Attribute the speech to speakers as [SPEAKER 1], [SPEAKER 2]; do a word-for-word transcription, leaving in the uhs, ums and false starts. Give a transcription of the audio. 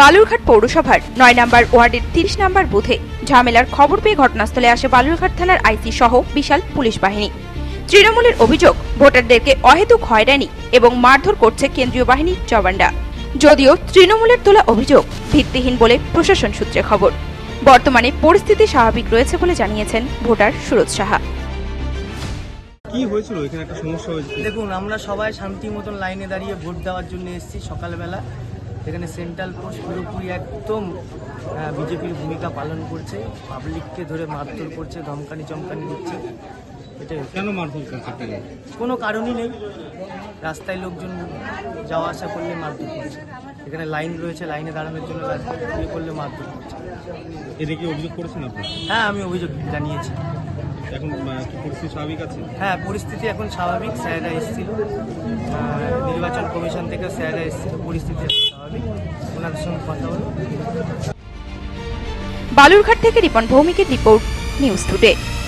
[SPEAKER 1] বালুরঘাট পৌরসভার নয় নম্বর ওয়ার্ডের তিরিশ নম্বর বুথে ঝামেলার খবর পেয়ে ঘটনাস্থলে আসে বালুরঘাট থানার আইসি সহ বিশাল পুলিশ বাহিনী। তৃণমূলের অভিযোগ, ভোটারদেরকে অহেতুক হয়রানি এবং মারধর করছে কেন্দ্রীয় বাহিনীর জওয়ানরা। যদিও তৃণমূলের তোলা অভিযোগ ভিত্তিহীন বলে প্রশাসন সূত্রে খবর। বর্তমানে পরিস্থিতি স্বাভাবিক রয়েছে বলে জানিয়েছেন ভোটার সুরজ সাহা।
[SPEAKER 2] কি হয়েছিল এখানে? একটা সমস্যা হয়েছিল।
[SPEAKER 3] দেখুন, আমরা সবাই শান্তি মতন লাইনে দাঁড়িয়ে ভোট দেওয়ার জন্য এসেছি সকালবেলা। এখানে সেন্ট্রাল পোস্ট পুরোপুরি একদম বিজেপির ভূমিকা পালন করছে, পাবলিককে ধরে মারধর করছে, ধমকানি চমকানি দিচ্ছে। এটাই।
[SPEAKER 2] কেন মারধর করছে?
[SPEAKER 3] কোনো কারণই নেই, রাস্তায় লোকজন যাওয়া আসা করলে মারধর করছে। এখানে লাইন রয়েছে, লাইনে দাঁড়ানোর জন্য ইয়ে করলে মারধর করছে।
[SPEAKER 2] এটা কি অভিযোগ করেছেন আপনি?
[SPEAKER 3] হ্যাঁ, আমি অভিযোগ জানিয়েছি।
[SPEAKER 2] এখন কি পরিস্থিতি স্বাভাবিক আছে?
[SPEAKER 3] হ্যাঁ, পরিস্থিতি এখন স্বাভাবিক। স্যাররা এসেছিল, নির্বাচন কমিশন থেকে স্যাররা এসেছিল, পরিস্থিতি স্বাভাবিক। ওনাদের সঙ্গে কথা হলো।
[SPEAKER 1] বালুরঘাট থেকে রিপন ভৌমিকের রিপোর্ট, নিউজ টুডে।